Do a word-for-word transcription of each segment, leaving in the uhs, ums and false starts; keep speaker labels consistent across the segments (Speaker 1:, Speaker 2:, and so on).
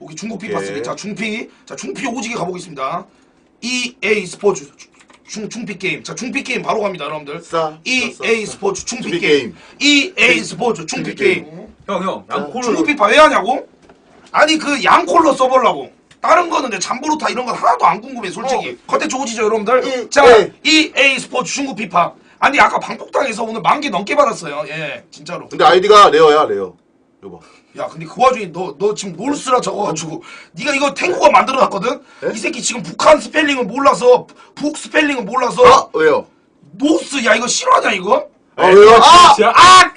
Speaker 1: 오케이 중국 피 파스. 자 중피. 자 중피 오지게 가보겠습니다. 이에이 스포츠 중 중피 게임. 자 중피 게임 바로 갑니다 여러분들.
Speaker 2: 싸,
Speaker 1: 이에이
Speaker 2: 싸, 싸,
Speaker 1: 스포츠 중피
Speaker 2: 중피
Speaker 1: 게임.
Speaker 2: 게임.
Speaker 1: 이에이 스포츠 중피 게임.
Speaker 3: 형 형 양콜로
Speaker 1: 중국 피파 왜 하냐고? 아니 그 양콜로 써보려고. 다른 거는 내 잠보루타 이런 건 하나도 안 궁금해 솔직히.
Speaker 2: 어.
Speaker 1: 컨텐츠 오지죠 여러분들.
Speaker 2: 이,
Speaker 1: 자
Speaker 2: 에이.
Speaker 1: 이에이 스포츠 중국 피파. 아니 아까 방폭당에서 오늘 만 개 넘게 받았어요. 예 진짜로.
Speaker 2: 근데 아이디가 레어야 레어. 여봐.
Speaker 1: 야 근데 그 와중에 너 너 지금 뭘 쓰라 적어가지고 네가 이거 탱구가 만들어놨거든?
Speaker 2: 에?
Speaker 1: 이 새끼 지금 북한 스펠링은 몰라서 북 스펠링은 몰라서
Speaker 2: 아 왜요?
Speaker 1: 노스 야 이거 싫어하냐 이거?
Speaker 2: 아 왜요? 아!
Speaker 3: 아!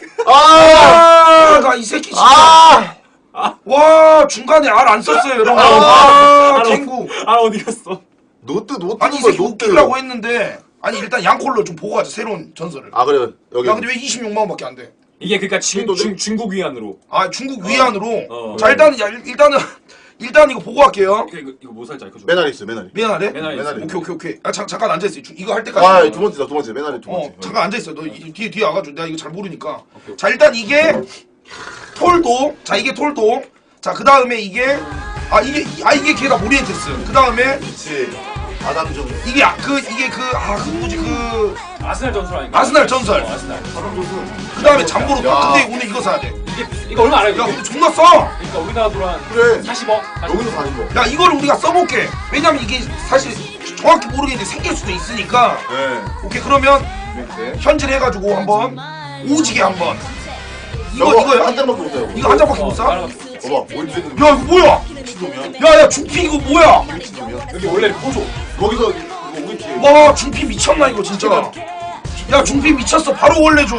Speaker 2: 아!
Speaker 1: 아나 이 새끼 진짜
Speaker 2: 아!
Speaker 1: 와 중간에 알 안 썼어요 여러분.
Speaker 2: 아,
Speaker 1: 아 탱구.
Speaker 3: 아 어디 갔어?
Speaker 2: 노트 노트
Speaker 1: 아니 이 새끼 웃기려고 했는데 아니 일단 양콜로 좀 보고 가자 새로운 전설을.
Speaker 2: 아 그래 여기.
Speaker 1: 야 근데 왜 이십육만 원밖에 안 돼?
Speaker 3: 이게 그러니까 중,
Speaker 2: 또
Speaker 3: 중, 중국 위안으로.
Speaker 1: 아 중국 위안으로.
Speaker 3: 어.
Speaker 1: 자 일단은 야 일- 일단은 일단 이거 보고 갈게요.
Speaker 3: 이거 이거 뭐 살지 알려줘.
Speaker 2: 메나리 있어 메나리.
Speaker 1: 미안하네.
Speaker 3: 메나리
Speaker 2: 메나리.
Speaker 1: 오케이 오케이 오케이. 아 잠, 잠깐 앉아 있어. 이거 할 때까지.
Speaker 2: 아 두 번째다 두 번째 메나리 두
Speaker 1: 어
Speaker 2: 번째.
Speaker 1: 잠깐 앉아 있어. 너 이- 뒤에 뒤에 와가지고 내가 이거 잘 모르니까.
Speaker 3: 오케이.
Speaker 1: 자 일단 이게 톨도. 자 이게 톨도. 자 그 다음에 이게 아 이게 아 이게 걔다 모리엔테스. 그 다음에
Speaker 2: 그렇지. 아담중.
Speaker 1: 이게 아, 그 이게 그 아 그 뭐지 그 그
Speaker 3: 아스날 전설 아닌가?
Speaker 1: 아스날 전설.
Speaker 3: 어, 아스날.
Speaker 1: 다음에 잠보로.
Speaker 2: 야.
Speaker 1: 근데 오늘 이거 사야 돼.
Speaker 3: 이게 이거 얼마 알아요?
Speaker 1: 야
Speaker 3: 이게?
Speaker 1: 근데 존나 써.
Speaker 3: 그러니까 우리나라 돈 한
Speaker 2: 그래.
Speaker 3: 사십억.
Speaker 2: 여기서 사는 거.
Speaker 1: 야 이거를 우리가 써볼게. 왜냐면 이게 사실 정확히 모르겠는데 생길 수도 있으니까.
Speaker 2: 네.
Speaker 1: 오케이 그러면
Speaker 2: 네.
Speaker 1: 현질 해가지고 한번 오지게 한번. 이거
Speaker 2: 저거
Speaker 1: 이거야?
Speaker 2: 한 장밖에 못 사요.
Speaker 1: 이거 한 장밖에 못
Speaker 3: 어,
Speaker 1: 사?
Speaker 3: 다른 거.
Speaker 2: 봐봐. 뭘 쓰는
Speaker 1: 야 이거 뭐야?
Speaker 2: 미친놈이야.
Speaker 1: 야야 중피 이거 뭐야?
Speaker 2: 미친놈이야.
Speaker 3: 여기 원래 포조.
Speaker 2: 거기서 이거 우리 뒤에.
Speaker 1: 와 중피 미쳤나 이거 진짜. 야 중피 미쳤어 바로 원래 줘.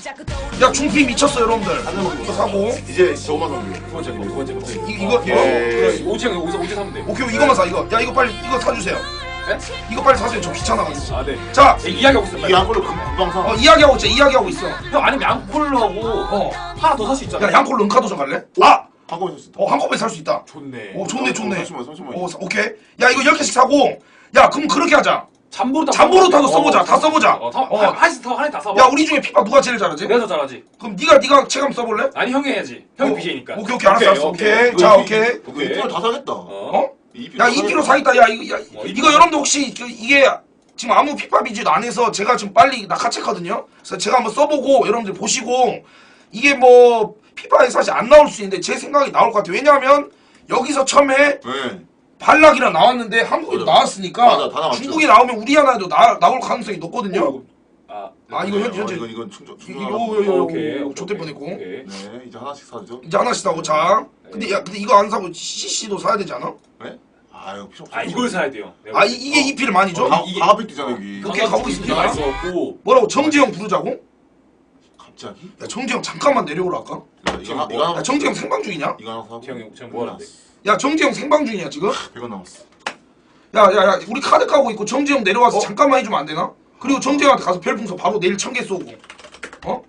Speaker 1: 야 중피 미쳤어 여러분들. 이거 사고
Speaker 2: 이제 저거만 사면 돼.
Speaker 3: 두 번째 거, 두 번째 거.
Speaker 1: 이, 이거 이거
Speaker 2: 예.
Speaker 3: 그래, 오지 형 여기서 오지 사면 돼.
Speaker 1: 오케이 이거만 사 이거. 야 이거 빨리 이거 사주세요.
Speaker 3: 네?
Speaker 1: 이거 빨리 사세요. 저 귀찮아가지고.
Speaker 3: 아 네.
Speaker 1: 자
Speaker 3: 네, 이야기하고 있어.
Speaker 2: 이게 한 걸로 금- 금방 사.
Speaker 1: 어, 이야기하고 있어 이야기하고 있어.
Speaker 3: 형 아니면 양콜로 하고
Speaker 1: 어.
Speaker 3: 하나 더 살 수 있잖아.
Speaker 1: 야 양콜 른카도저 갈래? 아!
Speaker 2: 한꺼번에 샀어.
Speaker 1: 어 한꺼번에 살 수 있다.
Speaker 3: 좋네.
Speaker 1: 오 좋네 좋네.
Speaker 2: 삼십만, 삼십만.
Speaker 1: 오 사- 오케이. 야 이거 열 개씩 사고. 야 그럼 그렇게 하자.
Speaker 3: 잠보로 타.
Speaker 1: 잠보로 타도 써보자. 다 써보자.
Speaker 3: 어, 다,
Speaker 1: 어.
Speaker 3: 어. 하나씩 타 하나씩 다 사봐.
Speaker 1: 야 우리 중에 피파 누가 제일 잘하지?
Speaker 3: 내가 더 잘하지.
Speaker 1: 그럼 네가 네가 체감 써볼래?
Speaker 3: 아니 형이 해야지. 형이
Speaker 1: 어,
Speaker 3: 비제니까.
Speaker 1: 오케이 오케이 알았어 알았어 오케이.
Speaker 2: 이거
Speaker 1: 자
Speaker 2: 이-
Speaker 1: 오케이.
Speaker 2: 이거 이피로 다 사겠다.
Speaker 3: 어?
Speaker 1: 어?
Speaker 2: 이피로
Speaker 1: 야
Speaker 2: 다
Speaker 1: 이피로
Speaker 2: 사겠다.
Speaker 1: 사겠다. 야 이거 야
Speaker 3: 어,
Speaker 1: 이거 여러분들 혹시 그, 이게 지금 아무 피파 비즈도 안 해서 제가 지금 빨리 낙하했거든요. 그래서 제가 한번 써보고 여러분들 보시고 이게 뭐 피파에 사실 안 나올 수 있는데 제 생각이 나올 것 같아요. 왜냐하면 여기서 처음에
Speaker 2: 네.
Speaker 1: 발락이랑 나왔는데 한국에도
Speaker 2: 맞아.
Speaker 1: 나왔으니까
Speaker 2: 맞아, 다 나왔죠.
Speaker 1: 중국이 나오면 우리 하나에도 나, 나올 가능성이 높거든요.
Speaker 3: 아,
Speaker 1: 아 이거 현,
Speaker 2: 어,
Speaker 1: 현재
Speaker 2: 이건 이건 충전.
Speaker 1: 이거
Speaker 2: 충전.
Speaker 1: 이거 이거 이거
Speaker 3: 오케이.
Speaker 1: 이거
Speaker 3: 오케이,
Speaker 1: 좆될
Speaker 3: 오케이,
Speaker 1: 뻔했고
Speaker 3: 오케이.
Speaker 2: 네, 이제 하나씩 사죠.
Speaker 1: 이제 하나씩 사고 자 근데 야 근데 이거 안 사고 씨씨도 사야 되지 않아?
Speaker 2: 네? 아 이거 필요 없어.
Speaker 3: 아 이걸 사야 돼요. 내가
Speaker 1: 아 이, 이게 이피를 많이 줘?
Speaker 2: 가
Speaker 3: 이게-
Speaker 2: 가압 있잖아 여기.
Speaker 1: 그- 오케이, 가고 있습니다.
Speaker 3: 많이 써갖고
Speaker 1: 뭐라고 정지영 부르자고?
Speaker 2: 갑자기?
Speaker 1: 야 정지영 잠깐만 내려오라 할까?
Speaker 2: 야, 이거 하나 이거
Speaker 1: 야
Speaker 2: 하나
Speaker 1: 정지영 생방 중이냐?
Speaker 2: 이거 하나 사고.
Speaker 3: 형이 지금 뭐 하는데?
Speaker 1: 야 정지영 생방 중이야 지금?
Speaker 2: 백 원 남았어.
Speaker 1: 야야야 우리 카드 까고 있고 정지영 내려와서
Speaker 2: 어?
Speaker 1: 잠깐만 해주면 안 되나? 그리고 정지영한테 가서 별풍선 바로 내일 천 개 쏘고 어?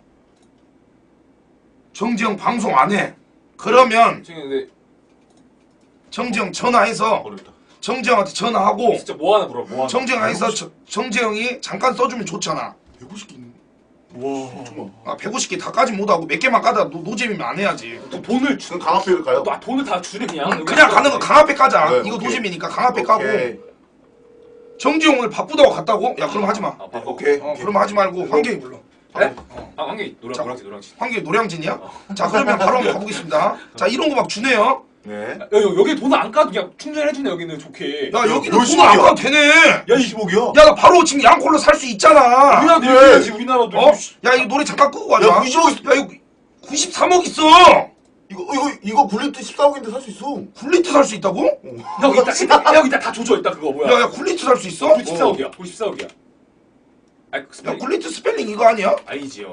Speaker 1: 정지영 방송 안 해. 그러면
Speaker 3: 지금 근데
Speaker 1: 정지영 전화해서
Speaker 2: 어렵다.
Speaker 1: 정지영한테 전화하고
Speaker 3: 진짜 뭐 하나 물어. 뭐 하나.
Speaker 1: 정지영에서 저- 정지영이 잠깐 써주면 좋잖아.
Speaker 2: 백오십 개 있는.
Speaker 3: 와.
Speaker 2: 정말.
Speaker 1: 아 백오십 개 다까지 못하고 몇 개만 까다 노, 노잼이면 안 해야지.
Speaker 3: 또 돈을 주.
Speaker 2: 그럼 강압회를 가요?
Speaker 3: 또 아, 돈을 다 주네 그냥.
Speaker 1: 응, 그냥 가는 거 강압회 까자.
Speaker 2: 네,
Speaker 1: 이거
Speaker 2: 오케이.
Speaker 1: 노잼이니까 강압회 까고.
Speaker 2: 오케이.
Speaker 1: 정지영 오늘 바쁘다고 갔다고? 야 그럼 하지 마.
Speaker 3: 아, 바꿔.
Speaker 2: 오케이.
Speaker 1: 어 그럼 하지 말고 환경이 불러.
Speaker 3: 네?
Speaker 1: 어.
Speaker 3: 아 한개 노랑
Speaker 1: 자.
Speaker 3: 노랑지 노랑지.
Speaker 1: 환경이 노량진이야? 자 그러면 바로 한번 가보겠습니다. 자 이런 거 막 주네요.
Speaker 2: 네.
Speaker 3: 야, 여, 여기 돈을 안 까도 그냥 충전해주네 여기는 좋게.
Speaker 1: 야 여기는
Speaker 2: 몇십억이야?
Speaker 1: 돈을 안 가도 되네.
Speaker 3: 야 이.
Speaker 2: 이십억이야?
Speaker 1: 야 나 바로 지금 양콜로 살 수 있잖아.
Speaker 3: 우리나라도
Speaker 2: 그래.
Speaker 3: 이래야지 우리나라도.
Speaker 1: 어? 야 이거 노래 잠깐 끄고 가자.
Speaker 2: 야, 구십억 있어.
Speaker 1: 야 이거 구십삼억 있어.
Speaker 2: 이거 이거 이거 굴리트 십사억인데 살 수 있어.
Speaker 1: 굴리트 살 수 있다고?
Speaker 3: 형 이따 이따 형 이따 다 조져 이따 그거 뭐야?
Speaker 1: 야야 굴리트 살 수 있어?
Speaker 3: 구십사억이야. 구십사억이야. 아
Speaker 1: 야
Speaker 3: 스펠링
Speaker 1: 굴리트 스펠링 이거 아니야?
Speaker 3: 아니지요.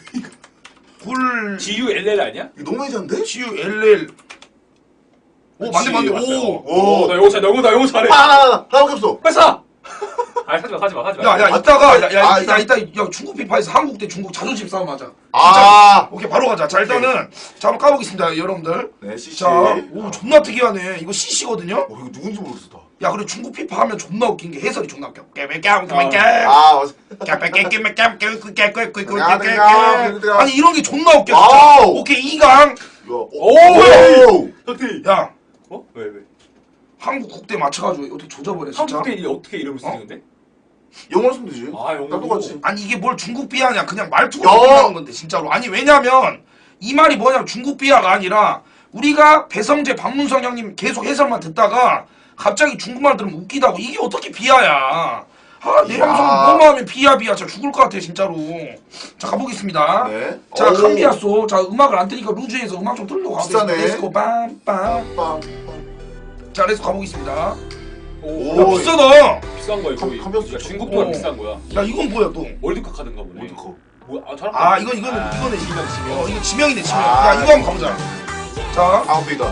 Speaker 1: 굴
Speaker 3: G U L L 아니야?
Speaker 2: 이거 너무 해잔데?
Speaker 1: G U L L 오 맞네 맞네
Speaker 3: 맞아요.
Speaker 1: 오.
Speaker 2: 오.
Speaker 3: 나 영어 잘, 나 영어 나 영어 잘해.
Speaker 2: 하나 하나밖에 없어.
Speaker 3: 빨리 사. 아니 사지 마, 사지 마, 사지 마.
Speaker 1: 야야
Speaker 2: 아,
Speaker 1: 이따가 야야
Speaker 2: 아,
Speaker 1: 이따 이따 야 중국 피파에서 한국 대 중국 자존심 싸움 하자.
Speaker 2: 아.
Speaker 1: 오케이 바로 가자. 자 일단은 자 한번 까보겠습니다 여러분들.
Speaker 2: 네, 씨씨.
Speaker 1: 자오 존나 특이하네. 이거 씨씨거든요.
Speaker 2: 어, 이거 누군지 모르겠어 다.
Speaker 1: 야 그리고 중국 피파 하면 존나 웃긴 게 해설이 존나 웃겨.
Speaker 2: 아, 맞아.
Speaker 1: 아니 이런 게 존나 웃겨 진짜.
Speaker 2: 와우.
Speaker 1: 오케이 이강.
Speaker 2: 이거.
Speaker 3: 오!
Speaker 2: 오!
Speaker 3: 혁태.
Speaker 1: 야
Speaker 3: 어? 왜 왜?
Speaker 1: 한국 국대 맞춰가지고 어떻게 조져버려 진짜.
Speaker 3: 한국에 이 어떻게 이름을 쓰지 근데?
Speaker 2: 영어로 쓰면 되지.
Speaker 3: 아 영어.
Speaker 2: 나 똑같이.
Speaker 1: 아니 이게 뭘 중국 비하냐 그냥 말투가
Speaker 2: 야!
Speaker 1: 끝나는 건데 진짜로. 아니 왜냐면 이 말이 뭐냐면 중국 비하가 아니라 우리가 배성재 박문성 형님 계속 해설만 듣다가 갑자기 중국말 들으면 웃기다고. 이게 어떻게 비하야. 아, 내
Speaker 2: 야.
Speaker 1: 방송 뭐만 하면 비하 비하. 진짜 죽을 것 같아 진짜로. 자 가보겠습니다.
Speaker 2: 네.
Speaker 1: 자
Speaker 2: 오.
Speaker 1: 캄비아소. 자 음악을 안 뜨니까 루즈에서 음악 좀 틀고 가겠습니다.
Speaker 2: 비싸네.
Speaker 1: 렛츠고 빰빰.
Speaker 2: 빰빰.
Speaker 1: 자 렛츠고 가보겠습니다.
Speaker 3: 오,
Speaker 1: 야
Speaker 2: 오.
Speaker 1: 비싸다.
Speaker 3: 비싼 거야 거의.
Speaker 2: 컴- 컴퓨터
Speaker 3: 그러니까 중국 돈은
Speaker 1: 어.
Speaker 3: 비싼 거야.
Speaker 1: 야 이건 뭐야 또.
Speaker 3: 월드컵 카드인가 보네.
Speaker 2: 월드컵.
Speaker 3: 뭐야? 아 저랑.
Speaker 1: 아 이건 이거는
Speaker 3: 아,
Speaker 1: 이거는
Speaker 3: 지명 지명.
Speaker 1: 어 이거 지명이네 지명.
Speaker 2: 아.
Speaker 1: 야 이거 한번 가보자. 자.
Speaker 2: 아웃비다.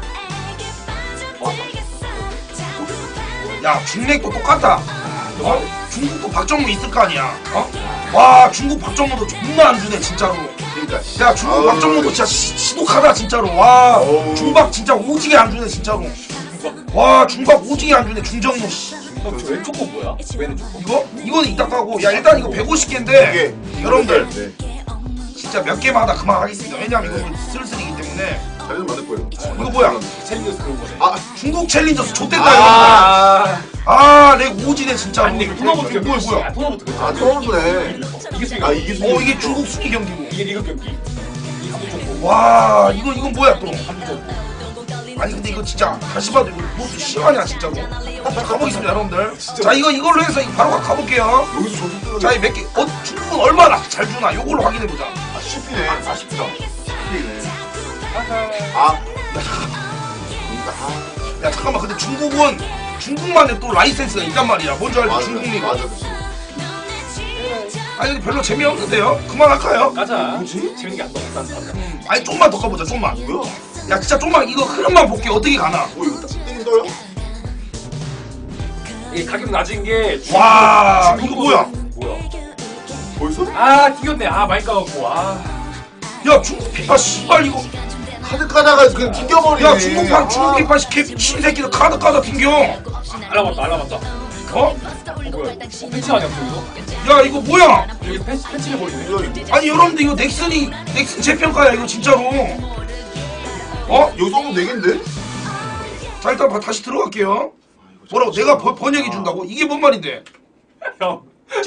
Speaker 1: 야 중맥도 똑같다. 어? 중국도 박정무 있을 거 아니야. 어? 와 중국 박정무도 존나 안 주네 진짜로.
Speaker 2: 그러니까.
Speaker 1: 야 중국
Speaker 2: 아우.
Speaker 1: 박정무도 진짜 시, 시독하다 진짜로. 와
Speaker 2: 어우.
Speaker 1: 중박 진짜 오지게 안 주네 진짜로. 와 중박 오지게 안 주네 중정무.
Speaker 3: 형, 저 왼쪽 거 뭐야? 왼쪽 거.
Speaker 1: 이거? 이거는 이따 까고. 야 일단 이거 백오십 개인데
Speaker 2: 이게
Speaker 1: 여러분들
Speaker 2: 네.
Speaker 1: 진짜 몇 개마다 그만하겠습니다. 왜냐면 이거 슬슬이기 때문에.
Speaker 2: 자리는 맞을 거예요.
Speaker 1: 이거 뭐야?
Speaker 3: 챌린저스 그런 거네.
Speaker 2: 아,
Speaker 1: 중국 챌린저스 좆됐다 이거.
Speaker 3: 아.
Speaker 1: 아내 오지네 진짜로.
Speaker 3: 아니 근데
Speaker 1: 토너부터
Speaker 3: 토너부터
Speaker 1: 뭐야 뭐야.
Speaker 3: 아 토너부터 그렇죠.
Speaker 2: 아, 처음부터네.
Speaker 3: 이게 수익.
Speaker 2: 아, 이게
Speaker 1: 어 이게 중국 순위 경기고.
Speaker 3: 이게 리그 경기. 이 한국
Speaker 1: 와 이거 이건 뭐야 또.
Speaker 3: 한국
Speaker 1: 아니 근데 이거 진짜 다시 봐도 이거 뭐 심하냐 진짜로. 자 가보겠습니다 여러분들. 자 이거 이걸로 해서 이거 바로 가- 가볼게요.
Speaker 2: 여기서 저기 뜨는
Speaker 1: 자 이 몇 개. 어 중국은 얼마나 잘 주나 요걸로 확인해보자.
Speaker 2: 아, 십이네. 아, 십이다. 십이네. 아. 아.
Speaker 1: 야 잠깐만 근데 중국은 중국만의 또 라이센스가 있단 말이야. 뭔지 알지?
Speaker 2: 맞아.
Speaker 1: 중국 리그.
Speaker 2: 맞아, 그치.
Speaker 1: 아니 근데 별로 재미없는데요? 그만할까요?
Speaker 3: 가자.
Speaker 2: 뭐지?
Speaker 3: 재밌는 게 안 나왔다. 안
Speaker 1: 음, 아니 좀만 더 가보자 좀만.
Speaker 2: 뭐야?
Speaker 1: 야 진짜 좀만 이거 흐름만 볼게 어떻게 가나.
Speaker 2: 뭐, 이거 땡 떠요?
Speaker 3: 이게 가격 낮은 게 중국-
Speaker 1: 와
Speaker 3: 중국
Speaker 1: 이거 뭐야?
Speaker 3: 뭐야?
Speaker 2: 벌써?
Speaker 3: 아 튀겼네. 아 많이 까갖고. 아.
Speaker 1: 야 중국 피파 씨발 이거.
Speaker 2: 카드 까다가 그냥 튕겨버리네.
Speaker 1: 야 중국판
Speaker 2: 아.
Speaker 1: 중국 피파 개 신새끼들 카드 까다 튕겨.
Speaker 3: 알아봤다 알아봤다.
Speaker 1: 어?
Speaker 3: 어 뭐야? 어, 팬츠 아니야 저기서?
Speaker 1: 야 이거 뭐야?
Speaker 3: 여기 팬츠 팬츠를 버리네.
Speaker 2: 뭐야, 이거?
Speaker 1: 아니 여러분들 이거 넥슨이 넥슨 재평가야 이거 진짜로. 어?
Speaker 2: 여기 써도 되겠는데?
Speaker 1: 자 일단 봐, 다시 들어갈게요. 뭐라고 내가 번, 번역해 준다고? 이게 뭔 말인데?
Speaker 3: 형.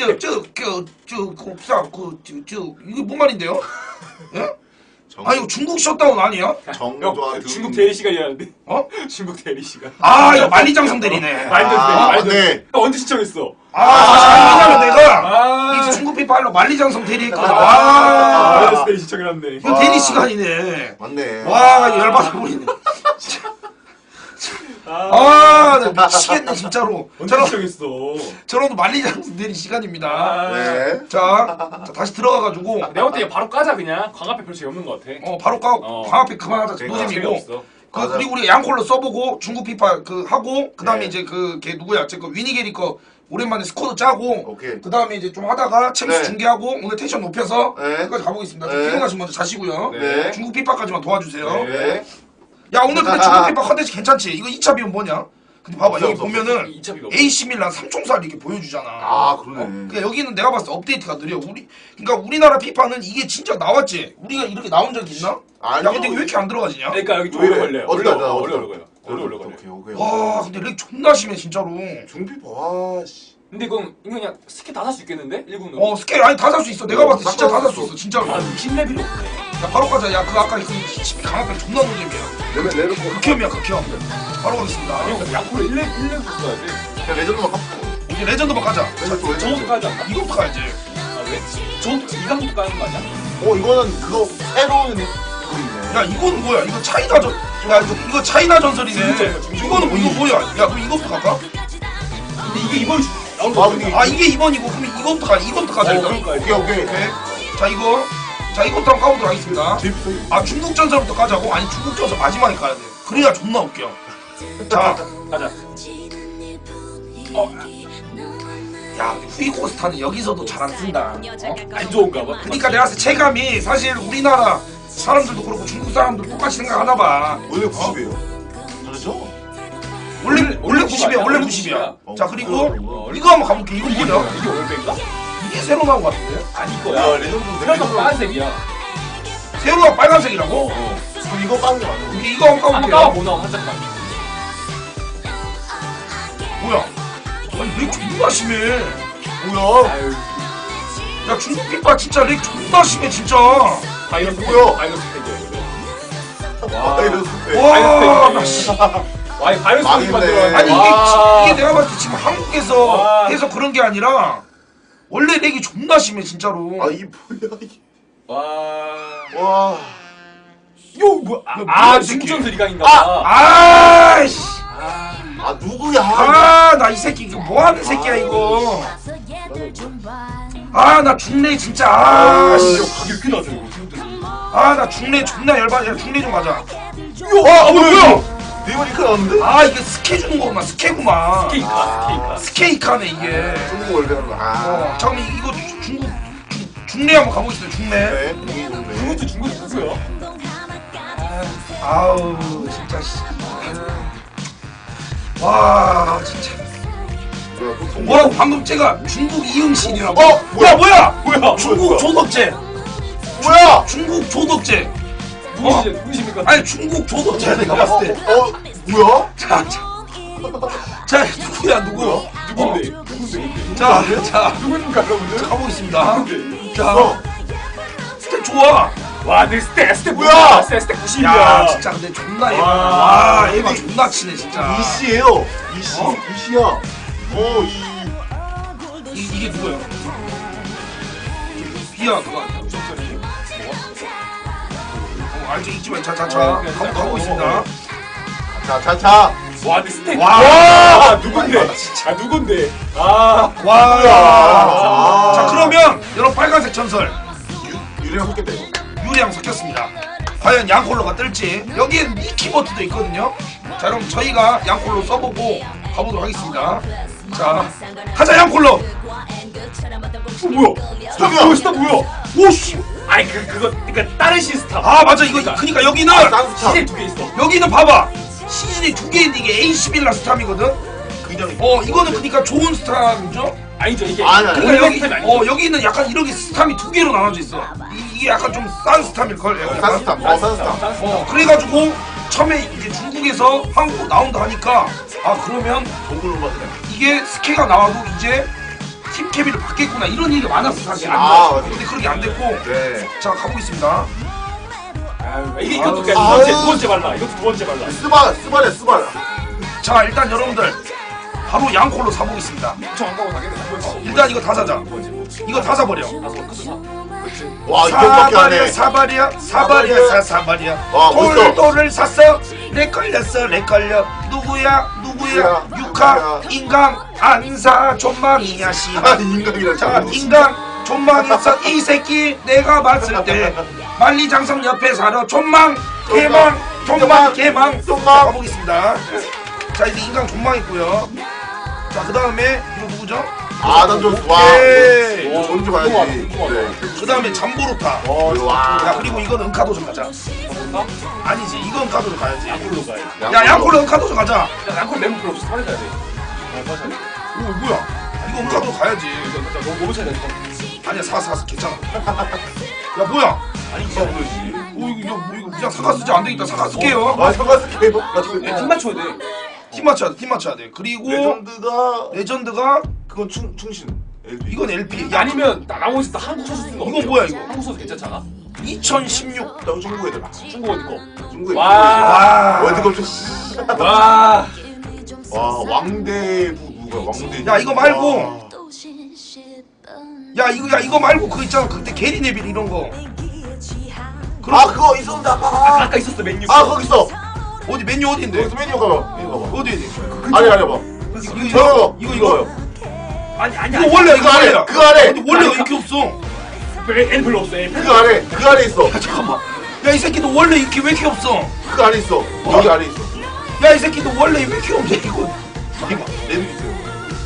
Speaker 1: 저저그저그저저 이게 뭔 말인데요? 예?
Speaker 2: 정,
Speaker 1: 아 이거 중국 셧다운 아니야?
Speaker 2: 정조아
Speaker 3: 형,
Speaker 2: 등.
Speaker 3: 중국 대리 시간이라는데.
Speaker 1: 어?
Speaker 3: 중국 대리 시간.
Speaker 1: 아 이거 만리장성 대리네.
Speaker 3: 말도 안 돼.
Speaker 2: 아,
Speaker 3: 말도 안 돼.
Speaker 2: 맞네.
Speaker 3: 형 언제 시청했어?
Speaker 1: 아 사실 아니 왜냐면 내가
Speaker 3: 아.
Speaker 1: 이 중국 피파 하려 만리장성 대리했거든.
Speaker 3: 아.
Speaker 1: 와
Speaker 3: 말도 대리 시청해놨네.
Speaker 1: 이거 대리 시간이네.
Speaker 2: 맞네.
Speaker 1: 와 열받아 보이네.
Speaker 3: 아.
Speaker 1: 아나 미치겠네 진짜로.
Speaker 3: 언제
Speaker 1: 저런
Speaker 3: 시청했어?
Speaker 1: 저런도 만리장성 대리 시간입니다.
Speaker 3: 아.
Speaker 2: 네.
Speaker 1: 자, 자 다시 들어가가지고
Speaker 3: 내가 볼때 바로 까자 그냥. 광합에 별 재미없는 것 같아.
Speaker 1: 어 바로 까
Speaker 3: 어.
Speaker 1: 광합에 그만하자.
Speaker 2: 그러니까
Speaker 1: 노잼이고.
Speaker 3: 재미없어.
Speaker 1: 그
Speaker 2: 맞아.
Speaker 1: 그리고 우리 양콜로 써보고 중국 피파 그 하고 그 다음에
Speaker 2: 네.
Speaker 1: 이제 그 걔 누구야? 제그 위니게리 거 오랜만에 스쿼드 짜고
Speaker 2: 오케이.
Speaker 1: 그 다음에 이제 좀 하다가 챔스
Speaker 2: 네.
Speaker 1: 중계하고 오늘 텐션 높여서
Speaker 2: 네.
Speaker 1: 여기까지 가보겠습니다. 좀
Speaker 2: 네.
Speaker 1: 피곤하신 분들 자시고요.
Speaker 2: 네.
Speaker 1: 중국 피파까지만 도와주세요.
Speaker 2: 네.
Speaker 1: 야 오늘 근데 중국 피파 컨텐츠 괜찮지? 이거 이 차 비용 뭐냐? 근데 봐봐
Speaker 2: 없어,
Speaker 1: 여기
Speaker 2: 없어,
Speaker 1: 보면은
Speaker 3: 이 차 비가
Speaker 1: 에이씨 밀란 삼총사를 이렇게 보여주잖아.
Speaker 2: 아, 그러네.
Speaker 1: 어, 그러니까 여기는 내가 봤을 때 업데이트가 느려. 우리 그러니까 우리나라 피파는 이게 진짜 나왔지. 우리가 이렇게 나온 적이 있나?
Speaker 2: 아니요.
Speaker 1: 야 근데 이거 왜 이렇게 안 들어가지냐?
Speaker 3: 그러니까 여기 좀
Speaker 2: 왜
Speaker 3: 오래
Speaker 2: 이래?
Speaker 3: 걸려요.
Speaker 2: 어디다,
Speaker 3: 어려
Speaker 2: 어디다,
Speaker 3: 어려
Speaker 2: 어디다?
Speaker 3: 걸려요. 어려 어려 걸려.
Speaker 2: 오케이, 오케이.
Speaker 1: 와 근데 렉 존나 심해 진짜로.
Speaker 2: 중피파, 와, 씨.
Speaker 3: 근데 그럼 이거 그냥 스킬 다 살 수 있겠는데? 일 군으로.
Speaker 1: 어 스케일 아니 다 살 수 있어. 내가
Speaker 2: 어,
Speaker 1: 봤을 때 진짜 다 살 수
Speaker 2: 싹
Speaker 1: 있어 진짜로.
Speaker 3: 아
Speaker 1: 야
Speaker 3: 육십 레벨이 없네.
Speaker 1: 바로 가자. 야 그 아까 그 십이 강압병 존나 노잼이야.
Speaker 2: 레벨, 레벨 거.
Speaker 1: 극혐이야 극혐. 바로 가겠습니다.
Speaker 3: 형 양코를 일 레벨 일 레벨 써야 돼.
Speaker 2: 그냥 레전드만 갚고.
Speaker 1: 이제 레전드만 가자.
Speaker 2: 레전드, 레전드.
Speaker 3: 저것도 까지 않나?
Speaker 1: 이거부터 가야지.
Speaker 3: 아 왜? 저것도 이강부터 까는 거 아니야?
Speaker 2: 어, 이거는 그거, 새로운 그거 있네.
Speaker 1: 야 이건 뭐야? 이거 차이나 전. 야 이거, 이거 차이나 전설이네.
Speaker 3: 진짜,
Speaker 1: 이거는 뭐 이거 뭐야? 야 그럼 이거부터 갈까?
Speaker 3: 근데 이게 이번 주 나온
Speaker 2: 아,
Speaker 3: 거
Speaker 2: 근데
Speaker 1: 아 이게 이 번이고 그럼 이거부터 가. 이거부터 가자
Speaker 3: 어,
Speaker 1: 일단.
Speaker 3: 그러니까
Speaker 2: 오케이, 오케이.
Speaker 1: 오케이. 자 이거. 자 이것도 한번 까보도록 하겠습니다.
Speaker 2: 재밌어.
Speaker 1: 아 중국 전설부터 까자고? 아니 중국 전설 마지막에 까야 돼. 그래야 존나 웃겨. 자.
Speaker 3: 가자.
Speaker 1: 어. 야 후이코스타는 여기서도 잘 안 쓴다. 어?
Speaker 3: 안 좋은가 봐.
Speaker 1: 그러니까 내가 봤을 때 체감이 사실 우리나라 사람들도 그렇고 중국 사람들 똑같이 생각하나 봐.
Speaker 2: 원래 구십이에요. 다르죠?
Speaker 1: 원래 원래 구십이야. 원래
Speaker 3: 원래
Speaker 1: 구십이야.
Speaker 2: 어,
Speaker 1: 자 그리고
Speaker 3: 어,
Speaker 1: 이거 한번 가볼게. 이거
Speaker 3: 이게
Speaker 1: 뭐냐?
Speaker 3: 뭐야? 이게 월배인가?
Speaker 1: 이게 새로 나온 것 같은데?
Speaker 3: 아니
Speaker 2: 야,
Speaker 3: 거야.
Speaker 2: 레전드.
Speaker 3: 그래서 빨간색이야.
Speaker 1: 새로가 빨간색이라고?
Speaker 3: 어.
Speaker 2: 그럼 이거 까는 게 맞아.
Speaker 1: 이게 이거 한번
Speaker 3: 한번
Speaker 1: 까볼게요.
Speaker 3: 까봐 보나 한 장만.
Speaker 1: 뭐야? 아니 렉 존나 심해.
Speaker 2: 뭐야?
Speaker 3: 아유,
Speaker 1: 야 중국 피파 진짜 렉 존나 심해 진짜.
Speaker 3: 바이러스
Speaker 2: 뭐야?
Speaker 3: 바이러스 팩이야 이거. 와.
Speaker 2: 아 이랬을 때.
Speaker 1: 와, 나 씨.
Speaker 3: 와, 이 바이러스 팩
Speaker 2: 망했네.
Speaker 3: 만들어.
Speaker 1: 아니 이게, 지- 이게 내가 봤을 때 지금 한국에서
Speaker 3: 와.
Speaker 1: 해서 그런 게 아니라 원래 렉이 존나 심해 진짜로.
Speaker 2: 아이 뭐야 이게.
Speaker 3: 와.
Speaker 2: 와.
Speaker 3: 요 뭐야? 아,
Speaker 1: 뭐야,
Speaker 3: 아
Speaker 1: 이 새끼.
Speaker 3: 중전 드리강인가 봐.
Speaker 1: 아이씨.
Speaker 2: 아 누구야?
Speaker 1: 아, 나 이 새끼 이거 뭐 하는 새끼야 이거. 아, 나 중래 진짜. 아, 씨.
Speaker 3: 이거 가격 꽤 나죠 이거 중국에서.
Speaker 1: 아, 나 중래 존나 열받아. 야, 중래 좀 가자.
Speaker 2: 요. 아 뭐야? 네번 이카 나왔는데?
Speaker 1: 아, 이게 스케 주는 거구만. 스케구만.
Speaker 3: 케이카 케이카.
Speaker 1: 스케이카네 이게.
Speaker 2: 중국 월배 하는 거. 아.
Speaker 1: 어, 잠깐만 이거 주- 중국 중- 중래 한번 가보겠습니다. 중래.
Speaker 2: 네. 중국 월배.
Speaker 3: 중국도 중국이 누구야?
Speaker 1: 아우, 진짜 씨. 와, 진짜.
Speaker 2: 뭐야, 또 통-
Speaker 1: 뭐라고 방금 제가 중국 이응신이라고?
Speaker 2: 어,
Speaker 1: 야,
Speaker 2: 뭐야?
Speaker 1: 뭐야?
Speaker 3: 뭐야?
Speaker 1: 중국
Speaker 2: 뭐야?
Speaker 1: 조덕제.
Speaker 2: 뭐야?
Speaker 1: 중국 조덕제.
Speaker 3: 누구시 누구십니까?
Speaker 1: 아니 중국 조덕제 내가 봤을 때.
Speaker 2: 어 뭐야?
Speaker 1: 자, 자, 자 누구야 누구?
Speaker 3: 누군데? 누군데?
Speaker 1: 자, 자,
Speaker 3: 누군가 여러분들?
Speaker 1: 가보겠습니다.
Speaker 3: 누군데?
Speaker 1: 자,
Speaker 2: 어.
Speaker 1: 스텝 좋아.
Speaker 3: 와, 내 스텝 스텝
Speaker 2: 뭐야?
Speaker 3: 스텝 스텝 구십이야.
Speaker 1: 야, 진짜 근데 존나 에바.
Speaker 3: 와.
Speaker 1: 와, 에바 존나 치네 진짜.
Speaker 2: 이씨예요. 이씨.
Speaker 1: 어?
Speaker 2: 이씨야. 어 이.
Speaker 1: 이, 이게 누구야? 비야 그거 아니야? 어, 알지 있지만 자자자
Speaker 3: 어,
Speaker 1: 가고
Speaker 3: 그냥
Speaker 1: 가고
Speaker 3: 어,
Speaker 1: 있습니다.
Speaker 3: 어,
Speaker 2: 자, 자, 자.
Speaker 3: 와, 내 스텝.
Speaker 1: 와.
Speaker 3: 아, 누군데? 아, 누군데? 아,
Speaker 1: 와.
Speaker 2: 아.
Speaker 1: 자 그러면 여러분 빨간색 전설
Speaker 2: 유, 유리랑 섞겠다 이거.
Speaker 1: 유리랑 섞였습니다. 과연 양콜로가 뜰지. 여기엔 미키버트도 있거든요. 자 그럼 저희가 양콜로 써보고 가보도록 하겠습니다. 자 가자 양콜로.
Speaker 3: 어, 뭐야? 스탑
Speaker 2: 뭐야?
Speaker 3: 뭐야? 스탑 뭐야?
Speaker 1: 오씨.
Speaker 3: 아니 그 그거 그러니까 다른 시스템.
Speaker 1: 아 맞아 이거 그러니까 여기는
Speaker 2: 딴스타.
Speaker 3: 시즌 두개 있어.
Speaker 1: 여기는 봐봐 시즌이 두 개인데 이게 에이십일라 스탐이거든.
Speaker 2: 굉장히.
Speaker 1: 어 이거는 그러니까 좋은 스탐이죠.
Speaker 3: 아니죠 이게.
Speaker 2: 아니, 아니.
Speaker 1: 그러니까 여기
Speaker 3: 스탑이 아니죠.
Speaker 1: 어 여기는 약간 이렇게 스탐이 두 개로 나눠져 있어. 이, 이게 약간 좀 싼 스탐일 걸.
Speaker 2: 딴스타. 어, 딴스타.
Speaker 1: 어 그래가지고 처음에 이제 중국에서 한국 나온다 하니까 아 그러면
Speaker 2: 동굴로 받으래.
Speaker 1: 이게 스케가 나와도 이제 팀 캐비를 받겠구나 이런 얘기가 많았어 사실. 안
Speaker 2: 아,
Speaker 1: 나왔어.
Speaker 2: 맞아.
Speaker 1: 근데 그렇게 안 됐고.
Speaker 2: 네.
Speaker 1: 자 가보겠습니다.
Speaker 3: 아유, 이게 이것도 그냥 두
Speaker 2: 아유.
Speaker 3: 번째 두 번째 발라. 이것도 두 번째 발라.
Speaker 2: 스바, 스바래, 스바라.
Speaker 1: 자 일단 여러분들 바로 양콜로 사보겠습니다.
Speaker 3: 저안 가고 가겠네. 두 번째.
Speaker 1: 일단 이거 다 사자.
Speaker 3: 두 번째.
Speaker 1: 이거 다 사버려.
Speaker 3: 다섯 번 끝나. 그렇지.
Speaker 2: 와, 이것밖에 안 해.
Speaker 1: 사발이야 사발이야 사 사발이야
Speaker 2: 와, 멋있어.
Speaker 1: 돌돌을 샀어 내 걸렸어 내 걸려 누구야 누구야
Speaker 2: 누구야,
Speaker 1: 육하
Speaker 2: 누구야.
Speaker 1: 인강 안사 존망이야
Speaker 2: 아,
Speaker 1: 씨발
Speaker 2: 인간이라.
Speaker 1: 자 인강 존망했어 이 새끼 내가 봤을 때 만리장성 옆에 살아 존망 개망 존망 개망
Speaker 2: 존망.
Speaker 1: 자, 가보겠습니다. 자 이제 인강 존망했고요. 자 그 다음에 이거 누구죠?
Speaker 2: 아, 난 좀, 와.
Speaker 1: 오케이.
Speaker 2: 이거 뭔지 봐야지.
Speaker 3: 궁금하다,
Speaker 2: 네.
Speaker 1: 그 다음에 잠보루타.
Speaker 2: 어, 와.
Speaker 1: 야 그리고 이건 은카도전 가자.
Speaker 3: 뭔가?
Speaker 1: 아니지 이건 은카도전 가야지.
Speaker 3: 양콜로 가야지.
Speaker 1: 야 양콜로 은카도전 가자.
Speaker 3: 야, 양콜 멤버 별로 없어. 사야 돼. 아, 맞아.
Speaker 1: 오 뭐야? 이거 은카도 가야지.
Speaker 3: 이거 진짜 너무 너무 차이 나니까.
Speaker 1: 아니야 사사 사 괜찮아. 야 뭐야?
Speaker 3: 아니 이거 모르지.
Speaker 1: 오 이거 이거 뭐 이거 그냥 사과 쓰지 안 되겠다. 사과 쓸게요.
Speaker 2: 아, 잠깐 쓸게요.
Speaker 3: 야, 팀 맞춰야 돼.
Speaker 1: 팀 맞춰야 돼. 팀 맞춰야 돼. 그리고
Speaker 2: 레전드가
Speaker 1: 레전드가
Speaker 2: 그건 충 충신. 엘비.
Speaker 1: 이건 엘피. 야
Speaker 3: 아니면 나 나머지 다 한국 선수 쓰는 거.
Speaker 1: 이건
Speaker 3: 어때요?
Speaker 1: 뭐야, 이거?
Speaker 3: 한국 선수 괜찮잖아.
Speaker 1: 이천십육.
Speaker 2: 나 중국 애들.
Speaker 3: 중국 어디 거?
Speaker 2: 중국 애들.
Speaker 3: 와.
Speaker 1: 와.
Speaker 2: 월드컵 좀.
Speaker 3: 와.
Speaker 2: 와, 왕대부 누가 왕대.
Speaker 1: 야, 이거 말고.
Speaker 2: 와.
Speaker 1: 야 이거 야 이거 말고 그거 있잖아. 그때 게리 네빌 이런 거. 그럼
Speaker 2: 아, 그거 있었는데.
Speaker 3: 아,
Speaker 2: 아,
Speaker 3: 아까 있었어 맨유.
Speaker 2: 아, 거기 있어.
Speaker 1: 어디 메뉴 어디인데?
Speaker 2: 여기서 메뉴 가봐. 메뉴 가봐.
Speaker 1: 어디 어디?
Speaker 2: 아니, 아니, 봐.
Speaker 1: 이거
Speaker 2: 이거,
Speaker 1: 이거 이거
Speaker 2: 이거요.
Speaker 3: 아니 아니
Speaker 1: 이거 원래 이거
Speaker 2: 그 아래,
Speaker 1: 원래야.
Speaker 2: 그 아래.
Speaker 1: 근데 원래가 이렇게 없어.
Speaker 3: 애 별로 없어. 애
Speaker 2: 그 아래, 그 아래 있어.
Speaker 1: 야 잠깐만. 야 이 새끼도 원래 이렇게 왜 이렇게 없어?
Speaker 2: 그 아래 있어. 여기 아래 있어.
Speaker 1: 야 이 새끼도 원래 왜 이렇게 없냐 이거.
Speaker 2: 이거 메뉴 있어요.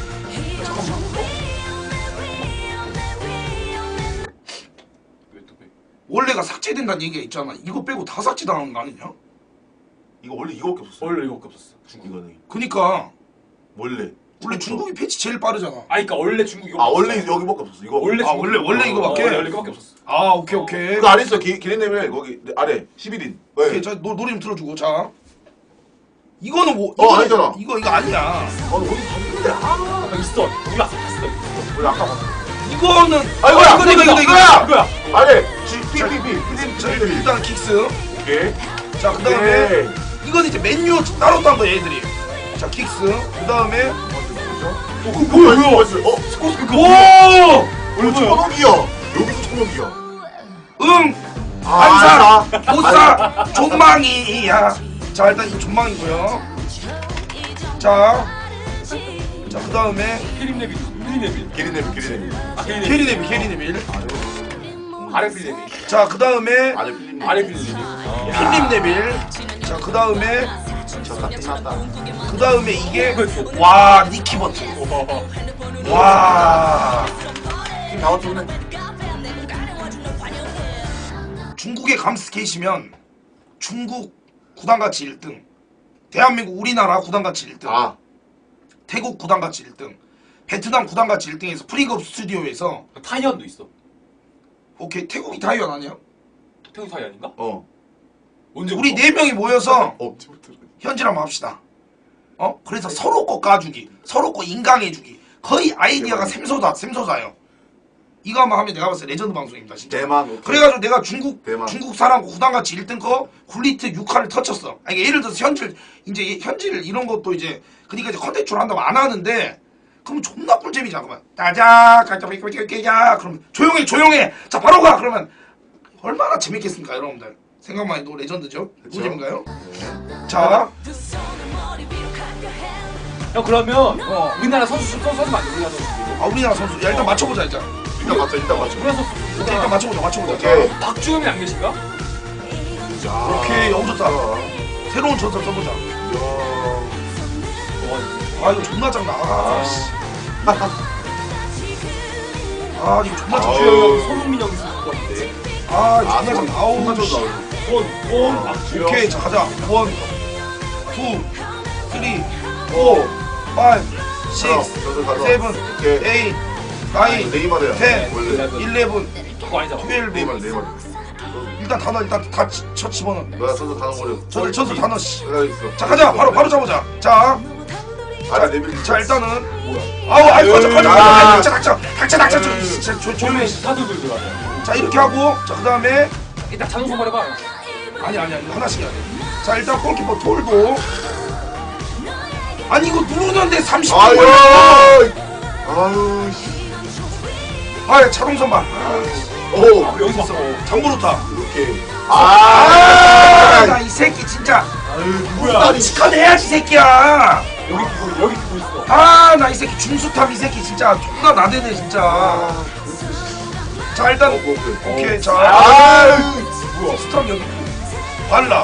Speaker 1: 원래가 삭제된다는 얘기가 있잖아. 이거 빼고 다 삭제당한 거 아니냐?
Speaker 2: 이거 원래 이거밖에 없었어.
Speaker 3: 원래 이거밖에 없었어.
Speaker 2: 중국 이거는
Speaker 1: 그니까
Speaker 2: 원래.
Speaker 1: 원래 중국이 패치 제일 빠르잖아.
Speaker 3: 아 그러니까 원래 중국 이거.
Speaker 2: 아, 원래 여기밖에 없었어. 이거.
Speaker 3: 원래
Speaker 1: 아, 원래- 원래 이거밖에?
Speaker 3: 어, 원래 이거밖에 없었어.
Speaker 1: 아 오케이 오케이.
Speaker 2: 그 아래 있어. 기, 기린내밀 거기 아래 십일 인. 네.
Speaker 1: 오케이 자 노, 노래 좀 틀어주고 자. 이거는 뭐?
Speaker 2: 어,
Speaker 1: 이거는-
Speaker 2: 아니잖아.
Speaker 1: 이거 이거 아니야.
Speaker 2: 아, 어디 다 있는데. 아,
Speaker 3: 아, 있어. 몰라. 봤어.
Speaker 2: 우리 아까 봤어.
Speaker 1: 이거는
Speaker 2: 아이고야,
Speaker 1: 이거 이거 이거 이거야.
Speaker 3: 이거야.
Speaker 2: 아니, G, P, P, P.
Speaker 1: 자, 일단 킥스.
Speaker 2: 오케이.
Speaker 1: 자, 그 다음에
Speaker 2: 오케이.
Speaker 1: 이건 이제 맨유 따로 딴 거야 얘들이. 자, 킥스. 그 다음에
Speaker 2: 어, 그거 뭐야, 이거 뭐였어? 어, 스코스 그거.
Speaker 1: 오!
Speaker 2: 어, 천억이야. 여기서 천억이야.
Speaker 1: 응.
Speaker 2: 아,
Speaker 1: 안사
Speaker 2: 안사.
Speaker 1: 못사 존망이야. 자, 일단 이 존망이고요. 자, 자, 그 다음에
Speaker 3: 캐림 네빌. 캐림 네빌.
Speaker 2: 게리네비, 게리네비.
Speaker 3: 아, 캐림 네빌.
Speaker 1: 게리네빌 게리네빌.
Speaker 3: 아래 필 네빌.
Speaker 1: 자, 그 다음에
Speaker 2: 아래 필립.
Speaker 3: 아래 필 네빌. 어.
Speaker 1: 필립 네빌. 자, 그 다음에
Speaker 2: 졌다, 끝났다.
Speaker 1: 그 다음에 이게 와 니키 버튼. 와
Speaker 2: 지금 다 왔네.
Speaker 1: 중국에 감스케이시면 중국 구단가치 일 등, 대한민국 우리나라 구단가치 일 등,
Speaker 2: 아,
Speaker 1: 태국 구단가치 일 등, 베트남 구단가치 일 등에서 프리급 스튜디오에서
Speaker 3: 타이언도 있어.
Speaker 1: 오케이 태국이 타이완 아니야?
Speaker 3: 태국 타이 아닌가?
Speaker 2: 어.
Speaker 3: 언제
Speaker 1: 우리 네 명이 모여서
Speaker 2: 어, 지금부터.
Speaker 1: 현질 한번 합시다. 어? 그래서 서로 거 까주기, 서로 거 인강해주기. 거의 아이디어가 샘솟아, 샘솟아요. 이거 한번 하면 내가 봤을 때 레전드 방송입니다, 진짜.
Speaker 2: 대만. 오케이.
Speaker 1: 그래가지고 내가 중국
Speaker 2: 대만.
Speaker 1: 중국 사람 구단같이 일 등 거 굴리트 육 화를 터쳤어. 아니, 예를 들어서 현질 이제 현질 이런 것도 이제 그러니까 이제 컨텐츠로 한다고 안 하는데 그러면 존나 꿀잼이잖아. 그러면 따자 까자삐삐삐삐야 그러면 조용해 조용해 자 바로 가 그러면 얼마나 재밌겠습니까 여러분들. 생각만 해도 레전드죠.
Speaker 2: 그쵸?
Speaker 1: 꿀잼인가요? 자
Speaker 3: 형 그러면
Speaker 1: 어.
Speaker 3: 우리나라 선수 선수 선수 맞아. 우리나라 선수.
Speaker 1: 아, 우리나라 선수 야 일단 맞춰보자 일단.
Speaker 2: 일단 맞춰, 일단 맞춰.
Speaker 3: 우리나라 선수.
Speaker 1: 오케이 일단 맞춰보자 맞춰보자.
Speaker 2: 오케이.
Speaker 1: 자,
Speaker 3: 박주영이 안 계신가?
Speaker 2: 자,
Speaker 1: 오케이 너무 좋다. 새로운 전설 써보자.
Speaker 2: 이야.
Speaker 1: 아 이거 존나 장나. 아 씨. 아 이거 존나 장나.
Speaker 3: 박주영, 손흥민 형이 있을 것 같은데.
Speaker 1: 아
Speaker 2: 아,
Speaker 1: 존나 장나. 아우
Speaker 2: 존나
Speaker 1: 씨.
Speaker 2: 좋다.
Speaker 3: 원, 원,
Speaker 2: 어.
Speaker 3: 박주영.
Speaker 1: 오케이 자 가자. 원, 투, 쓰리, 포, 파이브, 식스,
Speaker 2: 저도 가자.
Speaker 1: 세븐,
Speaker 2: 오케이.
Speaker 1: 에잇, 나인,
Speaker 2: 네이마르야.
Speaker 1: 텐,
Speaker 2: 원래.
Speaker 1: 일레븐,
Speaker 3: 그거 아니잖아.
Speaker 1: 트웰브.
Speaker 2: 네이마르, 네이마르.
Speaker 1: 일단 단어 일단 다 쳐 집어넣어.
Speaker 2: 너야 선수 다 넣어버려.
Speaker 1: 저 저도 단어 씨.
Speaker 2: 내가 있어.
Speaker 1: 자 가자 바로 바로 잡아보자. 자.
Speaker 2: 아래 네빌.
Speaker 1: 자 일단은
Speaker 3: 뭐야?
Speaker 1: 아우 아이고 가자 가자
Speaker 2: 아.
Speaker 1: 가자 닥쳐 닥쳐 닥쳐 닥쳐 진짜 조- 조용히
Speaker 3: 원래
Speaker 1: 해.
Speaker 3: 스타들들 들어가자.
Speaker 1: 자 이렇게 하고 자 그다음에
Speaker 3: 일단 자동 소발해봐.
Speaker 1: 아니 아니 아니 하나씩 해야 돼. 자 일단 골키퍼 톨도 아니 이거 누르는데 삼십 분
Speaker 2: 아유.
Speaker 1: 걸려.
Speaker 2: 아유, 씨.
Speaker 1: 아 자동 선발.
Speaker 2: 오,
Speaker 3: 여기서 있어.
Speaker 1: 장부르타.
Speaker 2: 이렇게.
Speaker 1: 아,
Speaker 2: 아,
Speaker 1: 나 이 새끼 진짜.
Speaker 2: 아유,
Speaker 3: 누구야?
Speaker 1: 나 치컷 해야지 이 새끼야.
Speaker 3: 여기 끼고 여기 끼고 있어.
Speaker 1: 아 나 이 새끼 중수탑 이 새끼 진짜 존나 나대네 진짜. 자 일단
Speaker 2: 오케이, 오케이.
Speaker 1: 오케이 자
Speaker 2: 아유,
Speaker 3: 뭐야?
Speaker 1: 스탑 여기 발라.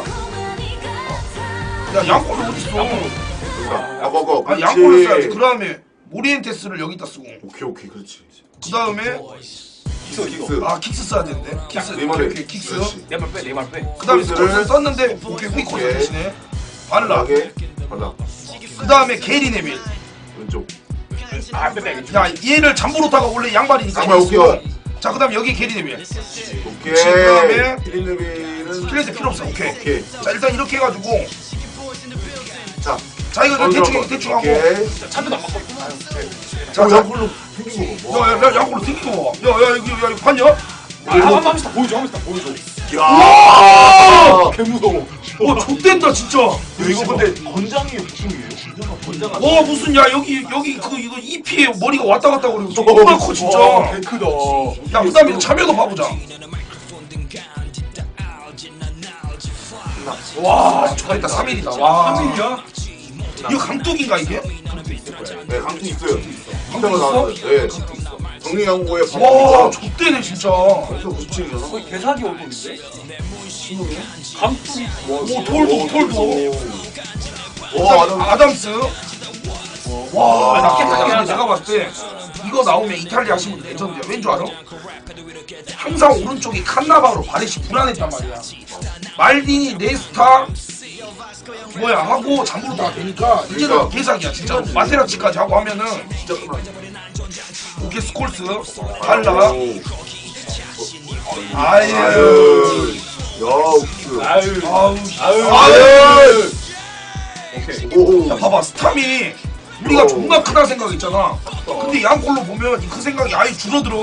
Speaker 1: 야 양골 어디 있어?
Speaker 2: 아, 먹어.
Speaker 1: 아 양골을 써야지. 그 다음에 모리엔테스를 여기다 쓰고
Speaker 2: 오케이, 오케이, 그렇지.
Speaker 1: 그 다음에
Speaker 3: 있어 이거.
Speaker 2: 킥스.
Speaker 1: 아 킥스 써야 되는데 킥스
Speaker 2: 네이마르.
Speaker 1: 오케이, 오케이 킥스
Speaker 2: 그렇지.
Speaker 3: 내말 빼, 내말 빼.
Speaker 1: 그 다음에
Speaker 2: 포인트를
Speaker 1: 스코스 썼는데 오케이 후이코스
Speaker 2: 오케이.
Speaker 1: 대신에 발라
Speaker 2: 하게. 발라.
Speaker 1: 그 다음에 게리 네빌
Speaker 2: 왼쪽.
Speaker 3: 아, 빼, 빼.
Speaker 1: 야 얘를 잠보로타가 원래 양발이니까
Speaker 2: 양발
Speaker 1: 이거 쓰고.
Speaker 2: 오케이.
Speaker 1: 자 그 다음에 여기 게리 네빌
Speaker 2: 오케이.
Speaker 1: 그다음에
Speaker 2: 필립네비는.
Speaker 1: 필레스 필요 없어 오케이
Speaker 2: 오케이.
Speaker 1: 자 일단 이렇게 해가지고
Speaker 2: 자,
Speaker 1: 자 이거 대충 해, 대충 하고
Speaker 2: 오케이.
Speaker 3: 차도 안 바꿔.
Speaker 1: 자,
Speaker 2: 오,
Speaker 1: 자,
Speaker 2: 양골로 생긴 거 봐.
Speaker 1: 야, 야, 야, 양골로 튕긴 거 봐. 야, 야, 이거, 야, 이거 봤냐?
Speaker 3: 아, 한 번씩 다 보여줘, 한 번씩 다 보여줘.
Speaker 2: 야!
Speaker 3: 개 무서워.
Speaker 1: 와, 좆된다, 진짜. 와,
Speaker 2: 이거 근데 건장이에요, 무슨이에요? 건장.
Speaker 1: 무슨, 야, 여기, 여기, 그, 이거 이피에 머리가 왔다 갔다 그리고 존나 커, 진짜.
Speaker 3: 와, 개 크다.
Speaker 1: 야, 그 다음에 참여도 봐보자. 와, 좋아했다, 삼 일이다. 와.
Speaker 3: 삼 일이야?
Speaker 1: 이거 강뚝인가, 이게?
Speaker 2: 네, 강투 있어요.
Speaker 1: 강투
Speaker 2: 강투가
Speaker 1: 있어?
Speaker 2: 나왔어요. 네. 정리양고에
Speaker 1: 와, 좆되네, 진짜. 오,
Speaker 2: 구십칠이잖아.
Speaker 3: 거의 개사기 얼굴인데? 강투기.
Speaker 1: 오, 톨도, 톨도.
Speaker 2: 와, 아담.
Speaker 1: 아담스. 와, 나
Speaker 3: 낫겠다,
Speaker 1: 근데
Speaker 3: 낫겠다.
Speaker 1: 내가 봤을 때 이거 나오면 이탈리아 신분 레전드야. 왠줄 알아? 항상 오른쪽이 칸나바로 바렛이 불안했단 말이야. 말디니, 네스타, 뭐야 하고 잠부르다가 되니까 이제는
Speaker 2: 그러니까.
Speaker 1: 개사기야 진짜. 마테라치까지 하고 하면은
Speaker 2: 진짜 끝나.
Speaker 1: 오케이 스콜스, 발라, 아유,
Speaker 2: 아유. 야, 옥수.
Speaker 3: 아유.
Speaker 1: 아우,
Speaker 3: 아유.
Speaker 1: 아유.
Speaker 3: 오케이.
Speaker 2: 오.
Speaker 1: 야 봐봐 스탐이 우리가 존나 크다 생각했잖아. 근데 양골로 보면 그 생각이 아예 줄어들어.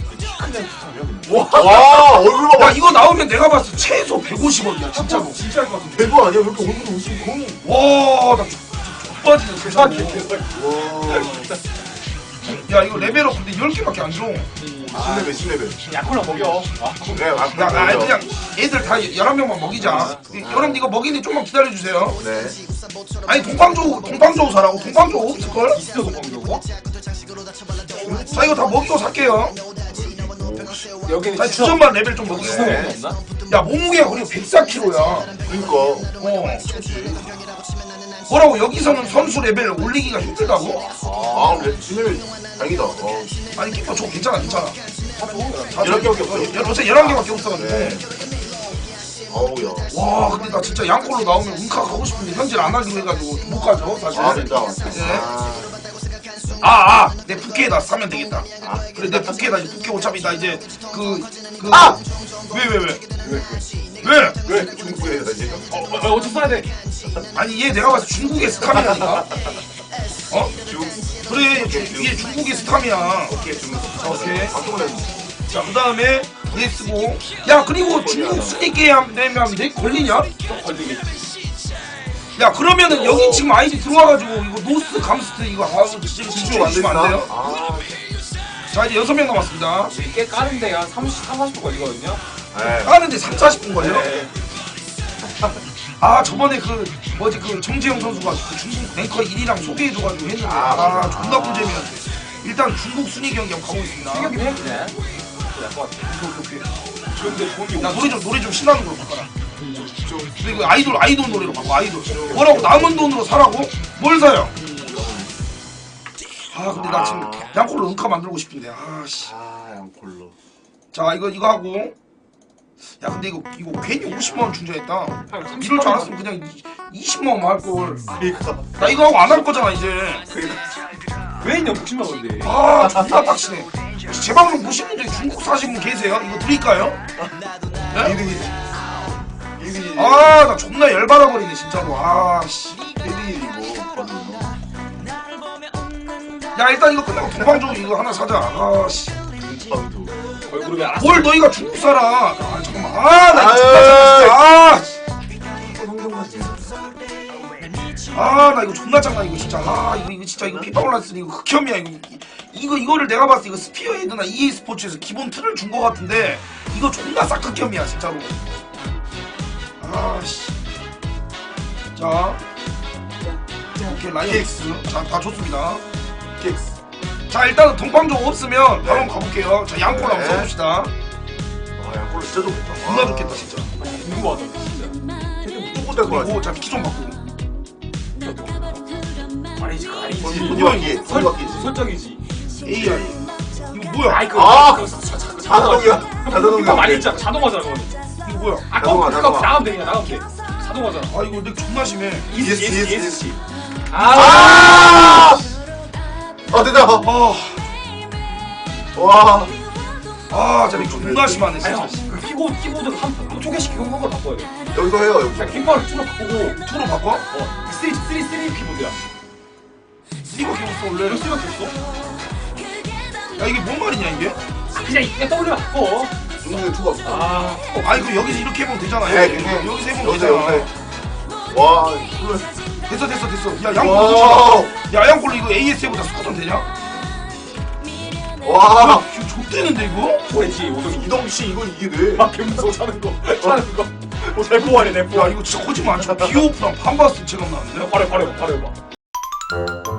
Speaker 2: 와 얼굴 봐봐.
Speaker 1: 야 이거 나오면 내가 봤을 때 최소 백오십 원이야 진짜로.
Speaker 3: 진짜 할것 같은데.
Speaker 2: 대박 아니야? 왜 이렇게 얼굴이 웃음 거의.
Speaker 1: 와나 빠지네 세상에.
Speaker 2: 와.
Speaker 1: 야 이거 레벨업 근데 열 개밖에 안 줘.
Speaker 2: 십 레벨 십 레벨.
Speaker 3: 약콜라 먹여. 아,
Speaker 2: 그래 맞
Speaker 1: 야, 아, 그냥 애들 다 열한 명만 먹이자. 여러분 이거 먹이는데 좀만 기다려주세요.
Speaker 2: 네.
Speaker 1: 아니 동방조 동방조 사라고. 동방조 없을걸?
Speaker 3: 있어 먹려고?
Speaker 1: 자 이거 다 먹이고 살게요.
Speaker 3: 여기는
Speaker 1: 자 주전만 레벨 좀 먹이고.
Speaker 2: 네.
Speaker 3: 없나?
Speaker 1: 야 몸무게가 그리고 백사 킬로그램야.
Speaker 2: 그니까.
Speaker 1: 어. 뭐라고 여기서는 선수 레벨 올리기가 힘들다고?
Speaker 2: 아 그래 십 레벨 다행이다. 어.
Speaker 1: 아니 키퍼 저 괜찮아 괜찮아.
Speaker 2: 열한 개밖에 없어.
Speaker 1: 열 어제 열한 개밖에 없어가지고.
Speaker 2: 네. 어우야.
Speaker 1: 와 근데 나 진짜 양콜로 나오면 은카 가고 싶은데 현질 안 하기로 해가지고 못 가죠 사실.
Speaker 2: 아 진짜.
Speaker 1: 네.
Speaker 2: 아.
Speaker 1: 아아 내 부캐에다 사면 되겠다. 그래 내 부캐에다 이제 부캐 어차피 나 이제 그그
Speaker 2: 아!
Speaker 1: 왜 왜 왜?
Speaker 2: 왜?
Speaker 1: 왜?
Speaker 2: 왜 중국에 나 지금?
Speaker 3: 어, 어, 어떻게 써야 돼?
Speaker 1: 아니 얘 내가 봤을 때 중국의 스탐이라니까. 어?
Speaker 2: 중.
Speaker 1: 그래 얘, 중, 얘 중국의 스탐이야.
Speaker 2: 오케이 중.
Speaker 1: 오케이.
Speaker 2: 방송을 해.
Speaker 1: 자 그다음에 얘 쓰고 야 그리고 중국 순위 게임 되면 내 걸리냐?
Speaker 3: 걸리겠지.
Speaker 1: 야 그러면은 여기 지금 아이디 들어와가지고 이거 노스 감스트 이거 아 지금
Speaker 2: 지금
Speaker 1: 집중
Speaker 2: 안
Speaker 1: 주시면 안 돼요?
Speaker 2: 아.
Speaker 1: 자 이제 여섯 명 남았습니다.
Speaker 3: 꽤 까는데 한 삼십, 사십 분 걸리거든요.
Speaker 2: 네.
Speaker 1: 까는데 삼, 사십 분 걸려?
Speaker 3: 네.
Speaker 1: 아 저번에 그 뭐지 그 정재영 선수가 그 중국 랭커 일이랑 소개해줘가지고 했는데
Speaker 2: 아,
Speaker 1: 아,
Speaker 2: 맞아.
Speaker 1: 존나 꿀잼이었는데 일단 중국 순위 경기 한번 가고 있습니다.
Speaker 3: 생각이 해 그냥. 그럴 것 같아.
Speaker 1: 오케이, 오케이.
Speaker 3: 그런데 돈이
Speaker 1: 나 노래 좀 노래 좀 신나는 걸로 바꿔라.
Speaker 2: 좀.
Speaker 1: 근데 이거 아이돌 아이돌 노래로 바꿔 아이돌. 뭐라고 남은 돈으로 사라고? 뭘 사요? 아 근데 나 지금 양콜로 은카 만들고 싶은데 아씨.
Speaker 2: 아 양콜로.
Speaker 1: 자 이거 이거 하고. 야 근데 이거 이거 괜히 오십만 원 충전했다. 이럴 줄 알았으면 그냥 이십만 원만 할 걸.
Speaker 2: 그러니까.
Speaker 1: 나 이거 하고 안 할 거잖아 이제.
Speaker 3: 왜 있냐 육십만 원인데.
Speaker 1: 아 존나 빡치네. 제 방송 보시는 분들 중국 사시는 분 계세요? 이거 드릴까요? 네?
Speaker 2: 이등이지. 이등이지.
Speaker 1: 아 나 존나 열받아 버리네 진짜로. 아씨.
Speaker 2: 이등이지 뭐. 거는.
Speaker 1: 야 일단 이거 끝나고 동방조 이거 하나 사자. 아씨.
Speaker 2: 중방도.
Speaker 3: 얼굴이 알았어.
Speaker 1: 뭘 너희가 중국 살아? 아 잠깐만. 아나 이거 존나 장난 진짜.
Speaker 2: 성경같이.
Speaker 1: 아 나 이거 존나 장난 이거 진짜. 아 이거 이거 진짜 이거 피파 올라스 이거 흑혐이야 이거. 이거 이거를 내가 봤을 때 이거 스피어 헤드나 이에이 스포츠에서 기본 틀을 준 거 같은데 이거 존나 싹 흑혐이야 진짜로. 아씨. 자. 오케이 라이언스. 자다 좋습니다.
Speaker 2: 킥스.
Speaker 1: 자 일단은 동방조 없으면 바로
Speaker 2: 네.
Speaker 1: 한번 가볼게요. 자 양콜 한번
Speaker 2: 네.
Speaker 1: 써봅시다.
Speaker 2: 아 양콜로 진짜 좋겠다.
Speaker 1: 존나 좋겠다 진짜.
Speaker 3: 궁금하다 진짜.
Speaker 2: 무조건 될거 같아.
Speaker 1: 그리고 자 키 좀 바꾸고.
Speaker 3: 아니지 그거 아니지.
Speaker 2: 돈이 바뀌. 돈이 바뀌지.
Speaker 3: 설정이지.
Speaker 1: 에이아이. 이거 뭐야?
Speaker 3: 아이 그거
Speaker 2: 아!
Speaker 3: 그거 자- 자- 자-
Speaker 2: 자동이야. 자동이야.
Speaker 3: 그거 많이 했잖아. 자동화잖아 그거.
Speaker 1: 이거 뭐야?
Speaker 3: 아
Speaker 2: 자동화,
Speaker 3: 그거
Speaker 2: 자동화.
Speaker 3: 나가면 돼 그냥 나가면 돼. 자동화잖아.
Speaker 1: 아 이거 내 존나 심해.
Speaker 2: 이에스, 이에스,
Speaker 3: 이에스씨.
Speaker 2: 아! 아 됐다.
Speaker 1: 아,
Speaker 2: 와.
Speaker 1: 아, 진짜 존나 심하네
Speaker 3: 아니
Speaker 1: 진짜.
Speaker 3: 형, 그 키보드 키보드 한 초계씩 그런 걸 바꿔야 돼.
Speaker 2: 여기서 해요 여기서.
Speaker 3: 그냥 킹바를 투로 바꾸고
Speaker 1: 투로 바꿔?
Speaker 3: 어 쓰리 쓰리 쓰리 키보드야.
Speaker 1: 이거 개없어 원래.
Speaker 3: 왜 쓰리밖에 없어?
Speaker 1: 야 이게 뭔 말이냐 이게?
Speaker 3: 아, 그냥 이게 떠올려 바꿔.
Speaker 2: 중국에 투가 없어.
Speaker 3: 아
Speaker 1: 아니 그 여기서 이렇게 해보면 되잖아.
Speaker 2: 네,
Speaker 1: 여기,
Speaker 2: 근데
Speaker 1: 여기서 해보면
Speaker 2: 여기서
Speaker 1: 되잖아.
Speaker 2: 여기서. 와. 이거.
Speaker 1: 됐어 됐어 됐어. 야 양골
Speaker 2: 와.
Speaker 1: 괜찮아. 야 양골 이거 에이에스 해보자. 스쿼트 되냐?
Speaker 2: 와.
Speaker 1: 야 지금 좆되는데 이거?
Speaker 3: 뭐지 오성이.
Speaker 2: 이동 씨 이거 이게 돼.
Speaker 3: 막 개무서워 사는 거 사는 거. 뭐잘 뽑아내 내
Speaker 1: 야
Speaker 3: 뽑아.
Speaker 1: 이거 진짜 거짓말 안 쳐. 비오프랑 반바스 체감 나는데?
Speaker 3: 바로 바로 바로 해봐.